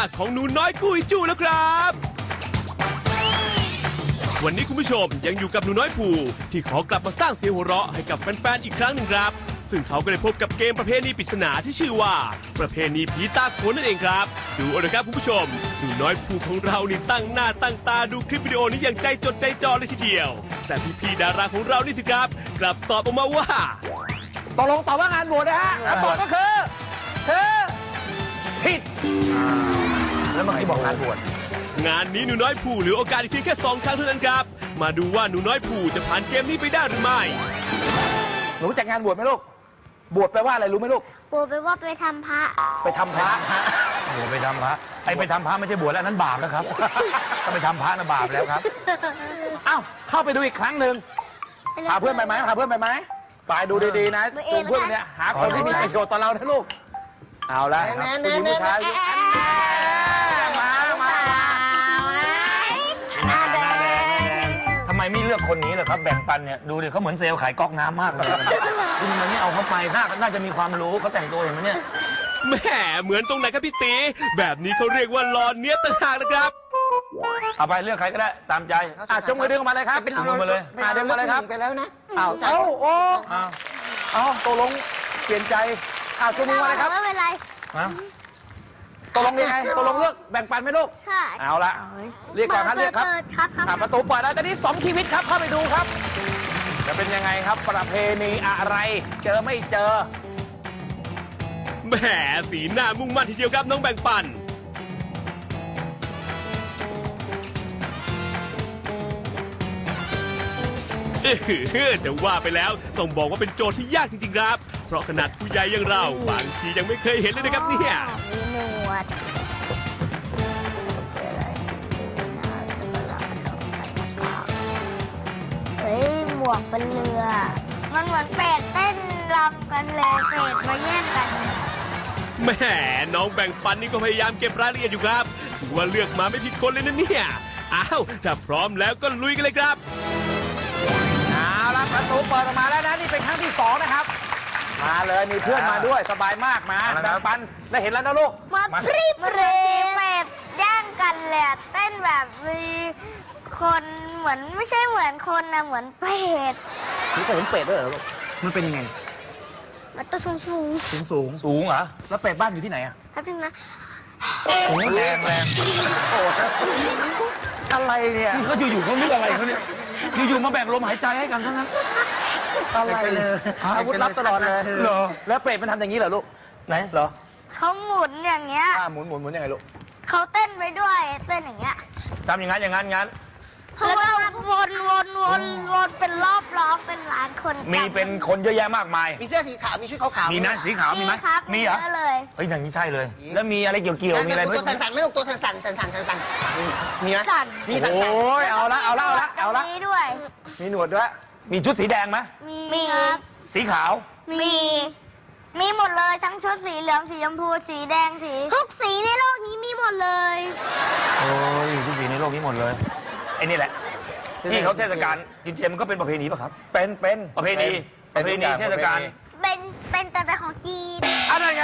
ของหนูน้อยกุยจูแล้วครับวันนี้คุณผู้ชมยังอยู่กับหนูน้อยภูที่ขอกลับมาสร้างเสียงหัวเราะให้กับแฟนๆอีกครั้งหนึ่งครับซึ่งเขาก็ได้พบกับเกมประเพณีปริศนาที่ชื่อว่าประเพณีผีตาโขนนั่นเองครับดูเอาเลยครับคุณผู้ชมหนูน้อยภูของเรานี่ตั้งหน้าตั้งตาดูคลิปวิดีโอนี้อย่างใจจดใจจ่อเลยทีเดียวแต่พี่ๆดาราของเรานี่สิครับกลับตอบออกมาว่าตกลงตอบว่างานบวชนะฮะคำตอบก็คือผิดแล้วเมื่อกี้บอกงานบวชงานนี้หนูน้อยภูเหลือโอกาสอีกเพียงแค่2 ครั้งเท่านั้นครับมาดูว่าหนูน้อยภูจะผ่านเกมนี้ไปได้หรือไม่หนูรู้จักงานบวชไหมลูกบวชแปลว่าอะไรรู้ไหมลูกบวชแปลว่าไปทำพระไปทำพระโอ้ไปทำพระไปทำพระไม่ใช่บวชแล้วนั้นบาปแล้วครับถ้าไปทำพระน่ะบาปแล้วครับเอ้าเข้าไปดูอีกครั้งหนึ่งพาเพื่อนไปไหมไปดูดีๆนะจูงเพื่อนเนี่ยหาคนที่มีประโยชน์ต่อเรานะลูกเอาละผู้หญิงผู้ชายทำไมไม่เลือกคนนี้ล่ะครับแบ่งปันเนี่ยดูดิเขาเหมือนเซลล์ขายก๊อกน้ำมากเลยคุณมันไม่เอาเขาไปน่าจะมีความรู้เขาแต่งตัวเห็นไหมเนี่ยแหมเหมือนตรงไหนครับพี่ตีแบบนี้เขาเรียกว่าหล่อเนี้ยต่างหากนะครับเอาไปเลือกใครก็ได้ตามใจจงมือดึงออกมาเลยครับดึงมาเลยดึงมาเลยครับไปแล้วนะเอาตกลงเปลี่ยนใจจงมือมาเลยครับไม่เป็นไรตกลงยังไงตกลงเลือกแบ่งปันไหมลูกใช่เอาละเรียกก่อนครับเรียกครับประตูเปิดแล้วตอนนี้2 ชีวิตครับเข้าไปดูครับจะเป็นยังไงครับประเพณีอะไรเจอไม่เจอแหมสีหน้ามุ่งมั่นทีเดียวครับน้องแบ่งปันจะว่าไปแล้วต้องบอกว่าเป็นโจทย์ที่ยากจริงๆครับเพราะขนาดผู้ใหญ่อย่างเราบางทียังไม่เคยเห็นเลยนะครับเนี่ยมีหนวดเฮ้ยหมวกเป็นเรือมันเหมือนเป็ดเต้นรำกันเลยเป็ดมาแย่งกันแหมน้องแบ่งปันนี่ก็พยายามเก็บรายละเอียดอยู่ครับถือว่าเลือกมาไม่ผิดคนเลยนะเนี่ยอ้าวถ้าพร้อมแล้วก็ลุยกันเลยครับเอาละประตูเปิดออกมาแล้วนะนี่เป็นครั้งที่2นะครับมาเลยมีเพื่อนมาด้วยสบายมากมาแบ่งปันได้เห็นแล้วนะลูกมาพริบเรเป็ดแย่งกันเลยเต้นแบบมีคนเหมือนไม่ใช่เหมือนคนนะเหมือนเป็ดนี่ก็เห็นเป็ดด้วยเหรอลูกมันเป็นยังไงมันตัวสูงเหรอแล้วเป็ดบ้านอยู่ที่ไหนอ่ะครับพี่นะแรงโอ้อะไรเนี่ยเขาอยู่เขาเรื่องอะไรเขาเนี่ยอยู่มาแบ่งลมหายใจให้กันเท่านั้นอะไรอาวุธลับตลอดเลยเหรอแล้วเป็ดมันทำอย่างนี้เหรอลูกไหนเหรอเขาหมุนอย่างเงี้ยหมุนยังไงลูกเขาเต้นไปด้วยเต้นอย่างเงี้ยทำอย่างนั้นแล้วก็วนเป็นรอบล้อเป็นล้านคนมีเป็นคนเยอะแยะมากมายมีเสื้อสีขาวมีชุดขาวมีนะสีขาวมีไหมมีเหรอเฮ้ยอย่างนี้ใช่เลยแล้วมีอะไรเกี่ยวมีอะไรตัวสั่นไม่ลูกตัวสั่นมีไหมมีสั่นโอ้ยเอาละมีด้วยมีหนวดด้วยมีชุดสีแดงไหมมีครับสีขาวมีหมดเลยทั้งชุดสีเหลืองสีชมพูสีแดงสีทุกสีในโลกนี้มีหมดเลยโอ้ยทุกสีในโลกนี้หมดเลยไอ้นี่แหละที่เขาเทศกาลกินเจมันก็เป็นประเพณีป่ะครับเป็นประเพณีเทศกาลเป็นแต่ของจีนอะไรไง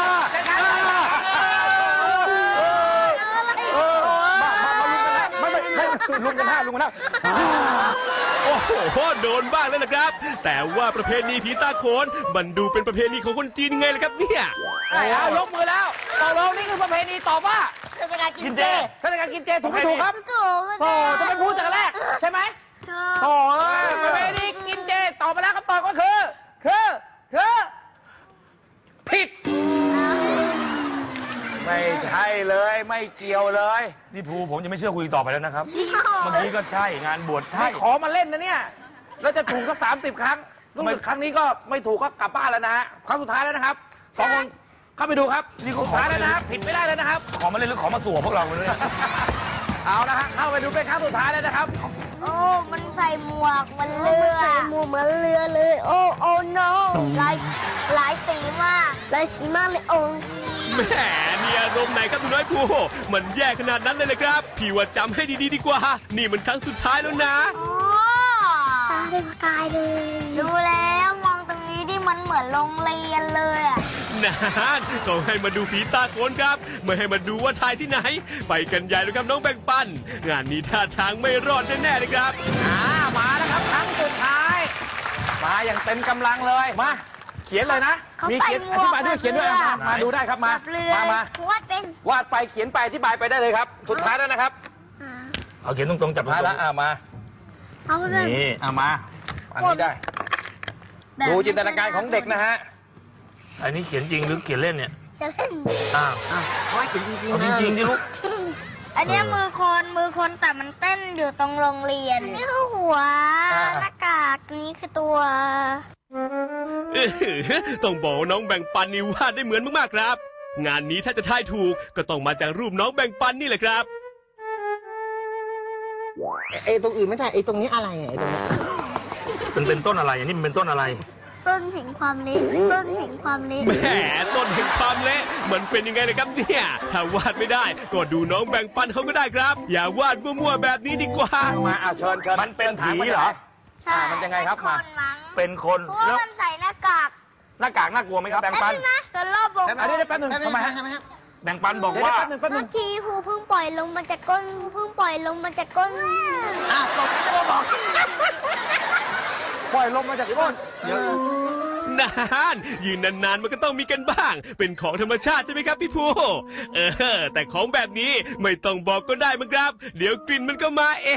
ลุงกันแล้วโอ้โหโดนบ้างแล้วนะครับแต่ว่าประเพณีผีตาโขนมันดูเป็นประเพณีของคนจีนไงล่ะครับเนี่ยยกมือแล้วตกลงนี่คือประเพณีตอบว่าเทศกาลกินเจถูกไม่ถูกครับต้องไปพูดจากแรกใช่ไหมประเพณีกินเจตอบมาแล้วคำตอบก็คือผิดไม่ใช่เลยไม่เกี่ยวเลยนี่ภูผมจะไม่เชื่อคุยต่อไปแล้วนะครับเมื่อกี้ก็ใช่งานบวชใช่ขอมาเล่นนะเนี่ยแล้วจะถูกก็30 ครั้งรู้สึกครั้งนี้ก็ไม่ถูกก็กลับบ้านแล้วนะฮะครั้งสุดท้ายแล้วนะครับ2 คนเข้าไปดูครับนี่สุดท้ายแล้วนะครับผิดไม่ได้แล้วนะครับขอมาเล่นหรือขอมาสวมพวกเราเลยเอาละฮะเข้าไปดูเป็นครั้งสุดท้ายแล้วนะครับโอ้มันใส่หมวกมันเรือใส่หมวกเหมือนเรือเลยโอ้ no หลายสีมากเลยโอ้แหมนี่อารมณ์ไหนครับคุณน้อยภูมันแย่ขนาดนั้นเลยครับพี่ว่าจำให้ดีกว่านี่มันครั้งสุดท้ายแล้วนะตาเป็นประกายเลยดูแล้วมองตรงนี้ที่มันเหมือนโรงเรียนเลยอ่ะนานต้องให้มาดูฝีตาโขนครับไม่ให้มาดูว่าถ่ายที่ไหน ไปกันใหญ่เลยครับน้องแบ่งปันงานนี้ท่าทางไม่รอดแน่ๆเลยครับมาแล้วครับครั้งสุดท้าย มาอย่างเต็มกำลังเลยมาเขียนเลยนะเขามีใส่เขียนหมอวกธิบายด้วยเขียนด้วยเหมือนเรือมาดูได้ครับมาแบบเรือมาวาดเป็นวาดไปเขียนไปอธิบายไปได้เลยครับ สุดท้ายแล้วนะครับเอาเขียนตรงๆจับท้ายแล้วมาเขาเป็นนี่มาอันนี้ได้แบบดูจินตนาการของเด็กนะฮะอันนี้เขียนจริงหรือเขียนเล่นเนี่ยจะเล่นอ้าวเขาให้เขียนจริงเอาๆจนะริงๆดิลูกอันเนี้ยมือคนแต่มันเต้นอยู่ตรงโรงเรียน นี่คือหัว หน้ากากนี้คือตัวต้องบอกว่าน้องแบ่งปันนี่วาดได้เหมือนมากๆครับ งานนี้ถ้าจะทายถูกก็ต้องมาจากรูปน้องแบ่งปันนี่แหละครับไอ้ตรงอื่นไม่ใช่ไอ้ตรงนี้อะไรไอ้ตรงนี้มันเป็นต้นอะไรอันนี้มันเป็นต้นอะไรต้นแห่งความเละต้นแห่งความเละแหมต้นแห่งความเละมันเป็นยังไงเลยครับเนี่ย ถ้าวาดไม่ได้ก็ดูน้องแบ่งปันเขาก็ได้ครับ อย่าวาดมั่วๆแบบนี้ดีกว่ามาเชิญมันเป็นผีเหรอใช่มันยังไงครับเป็นคนมั้งเป็นคนเพราะว่าแล้วมันใส่หน้ากากหน้ากากน่ากลัวไหมครับแบ่งปันแป๊บนึงนะเกิดรอบวงอันนี้แป๊บนึงทำไมฮะใช่ไหมฮะแบ่งปันบอกว่าเมื่อกี้ภูเพิ่งปล่อยลงมาจากก้นเพิ่งปล่อยลงมาจากก้นอ้าวตกจะมาบอกปล่อยลมมาจากก้นเดี๋ยวนานยืนนานๆมันก็ต้องมีกันบ้าง เป็นของธรรมชาติใช่ไหมครับพี่ภูแต่ของแบบนี้ไม่ต้องบอกก็ได้มั้งครับ เดี๋ยวกลิ่นมันก็มาเอง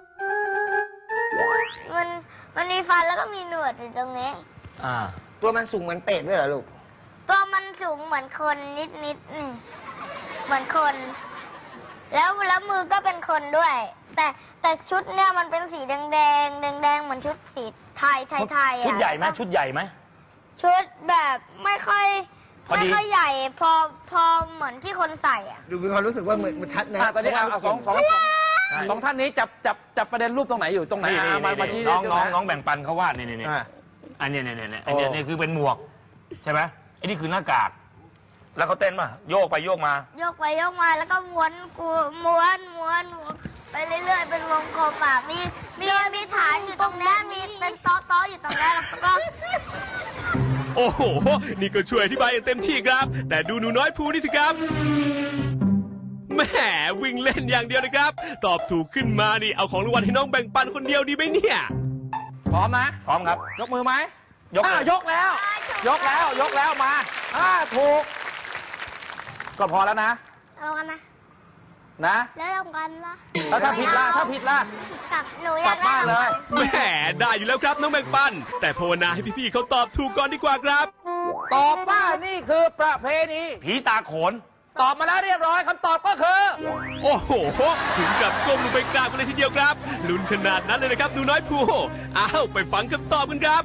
มันมีฟันแล้วก็มีหนวดอยู่ตรงนี้ตัวมันสูงเหมือนเป็ดด้วยเหรอลูกตัวมันสูงเหมือนคนนิดนี่เหมือนคน แล้วมือก็เป็นคนด้วย แต่ชุดเนี่ยมันเป็นสีแดงเหมือนชุดสีไทยอะชุดใหญ่ไหมชุดใหญ่ไหมชุดแบบไม่ค่อยพอดีใหญ่พอเหมือนที่คนใส่อ่ะดูมีความรู้สึกว่าเหมือนมันชัดนะตอนนี้เอาสองท่านนี้จับประเด็นรูปตรงไหนอยู่ตรงไหนมาชี้น้องแบ่งปันเขาวาดนี่อันนี้อันนี้คือเป็นหมวกใช่ไหมอันนี้คือหน้ากากแล้วเขาเต้นป่ะโยกไปโยกมาโยกไปโยกมาแล้วก็ม้วนไปเรื่อยๆเป็นวงกลมอ่ะมีฐานอยู่ตรงนี้มีเป็นโต๊ะอยู่ตรงนี้แล้วก็โอ้โห นี่ก็ช่วยอธิบายอย่างเต็มที่ครับ แต่ดูหนูน้อยภูนี่สิครับแหมวิ่งเล่นอย่างเดียวนะครับ ตอบถูกขึ้นมานี่เอาของรางวัลให้น้องแบ่งปันคนเดียวดีไหมเนี่ยพร้อมนะพร้อมครับยกมือไหมยกแล้วยกแล้วมาถูกก็พอแล้วนะเอากันนะนะแล้วเอากันละแล้วถ้าผิดล่ะกลับหนูอยากกลับบ้านเลยแหมได้อยู่แล้วครับน้องแบ่งปัน แต่ภาวนาให้พี่ๆเขาตอบถูกก่อนดีกว่าครับตอบว่านี่คือประเพณีผีตาโขน ตอบมาแล้วเรียบร้อยคำตอบก็คือโอ้โห ถึงกับก้มลงไปกราบกันเลยทีเดียวครับลุ้นขนาดนั้นเลยนะครับหนูน้อยภูอ้าวไปฟังคำตอบกันครับ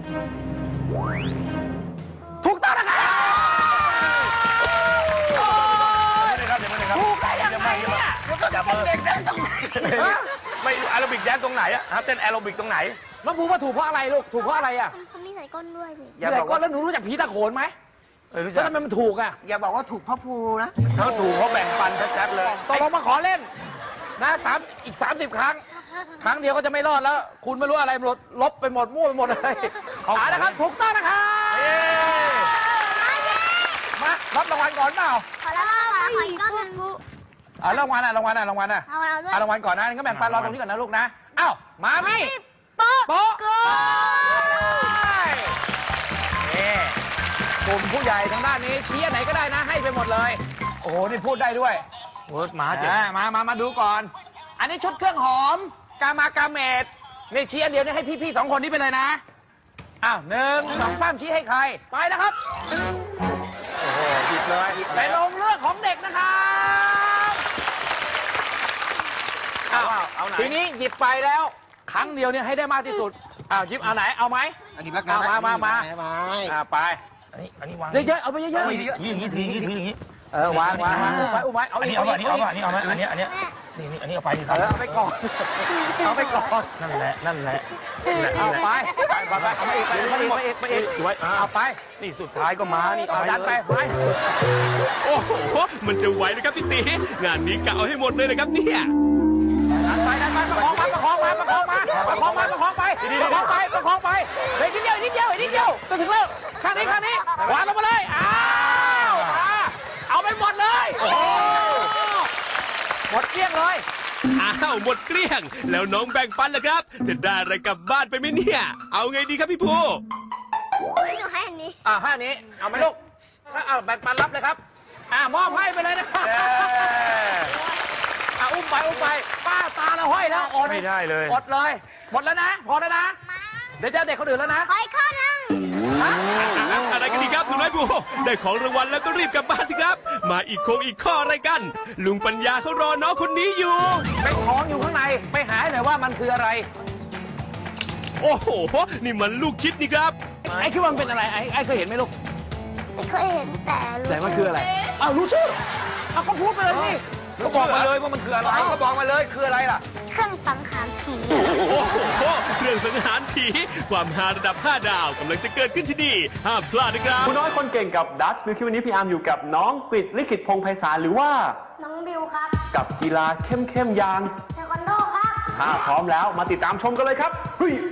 ถูกต้องนะครับถูกได้ยังไงเนี่ยจะเป็นเด็กแดนตรงไหนไม่แอโรบิกแดนตรงไหนอะเต้นแอโรบิกตรงไหนน้องภูว่าถูกเพราะอะไรลูกถูกเพราะอะไรอะเขามีใส่ก้นด้วยนี่อย่าบอกว่าแล้วหนูรู้จักผีตาโขนไหมแล้วทำไมมันถูกอะอย่าบอกว่าถูกพ่อภูนะเขาถูกเขาแบ่งปันชัดๆเลยตกลงมาขอเล่นนะอีก 30 ครั้ง ครั้งเดียวก็จะไม่รอดแล้ว คุณไม่รู้อะไรหมดลบไปหมดมั่วไปหมดเลยนะครับ ถูกต้องนะครับมารับรางวัลก่อนเปล่าขอแล้วขออีกก้อนหนึ่งรางวัลอะรางวัลก่อนนะงั้นก็แบ่งปันรอตรงนี้ก่อนนะลูกนะอ้าวมามี่โป๊ะโป๊ะนี่กลุ่มผู้ใหญ่ทางด้านนี้ชี้อันไหนก็ได้นะให้ไปหมดเลยโอ้โหนี่พูดได้ด้วยมาดูก่อน อันนี้ชุดเครื่องหอมกาเมดนี่ชี้อันเดียวนี่ให้พี่ๆ2 คนนี้ไปเลยนะอ้าว1 2 3ชี้ให้ใครไปแล้วครับโอ้โหหยิบเลยไปลงเลือกของเด็กนะครับเอาทีนี้หยิบไปแล้วครั้งเดียวเนี่ยให้ได้มากที่สุดหยิบเอาไหนเอาไหมอันนี้รักนะมาไปอันนี้วางเยอะๆเอาไปเยอะๆถืออย่างนี้ถืออย่างนี้วางอุ้มไว้เอาอันนี้เอาอันนี้เอาไหมอันนี้เอาไปดิเอาไปก่อนเอาไปก่อนนั่นแหละเอาไปเอามาอีกไปอีกสวยเอาไปนี่สุดท้ายก็มานี่เอาดันไปโอ้โห มันจะไหวนะครับพี่ตีงานนี้กะเอาให้หมดเลยนะครับเนี่ยดันไปประคองไปเฮ้ยนิดเดียวจะถึงแล้วข้างนี้วางลงมาเลยหมดเกลี้ยง แล้วน้องแบ่งปันล่ะครับ จะได้อะไรกลับบ้านไปไหมเนี่ย เอาไงดีครับพี่ภูหนูให้อันนี้ให้อันนี้ เอาไหมลูกเอาแบ่งปันรับเลยครับ มอบให้ไปเลยนะครับอุ้มไปป้าตาละห้อยแล้วอดไม่ได้เลยอดเลย หมดแล้วนะ พอแล้วนะ เดี๋ยวจะเด็กคนอื่นแล้วนะขออีกข้อนึงอะไรกันดีครับหนูน้อยภูได้ของรางวัลแล้วก็รีบกลับบ้านสิครับ มาอีกข้ออะไรกัน ลุงปัญญาเขารอน้องคนนี้อยู่เป็นของอยู่ข้างใน ไปหาให้หน่อยว่ามันคืออะไรโอ้โห นี่มันลูกคิดนี่ครับไอ้คิดว่ามันเป็นอะไร ไอ้เคยเห็นไหมลูกไม่เคยเห็นแต่รู้แต่มันคืออะไรรู้ชื่อก็พูดไปเลยนี่ก็บอกมาเลยว่ามันคืออะไรก็บอกมาเลยคืออะไรล่ะเครื่องสังหารผีโอ้โห เครื่องสังหารผี ความฮาระดับ 5 ดาวกำลังจะเกิดขึ้นที่นี่ ห้ามพลาดนะครับคุณน้อยคนเก่งกับดัชมิลคิววันนี้พี่อาร์มอยู่กับน้องกฤษลิขิตพงษ์ไพศาลหรือว่าน้องบิวครับกับกีฬาเข้มๆอย่างเทควันโดครับถ้าพร้อมแล้วมาติดตามชมกันเลยครับเฮ้ย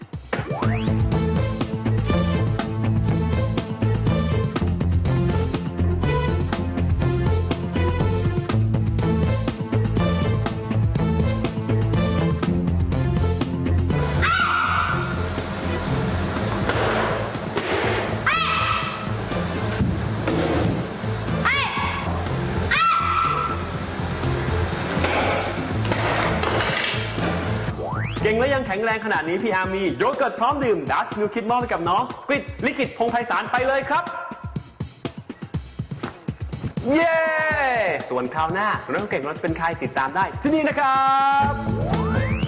เก่งและยังแข็งแรงขนาดนี้พี่อาร์มมีโยเกิร์ตพร้อมดื่มดัชมิลคิดมอบให้กับน้องกฤษลิขิตพงษ์ไพศาลไปเลยครับ เย้ ส่วนคราวหน้าคุณน้องเก่งเราจะเป็นใครติดตามได้ที่นี่นะครับ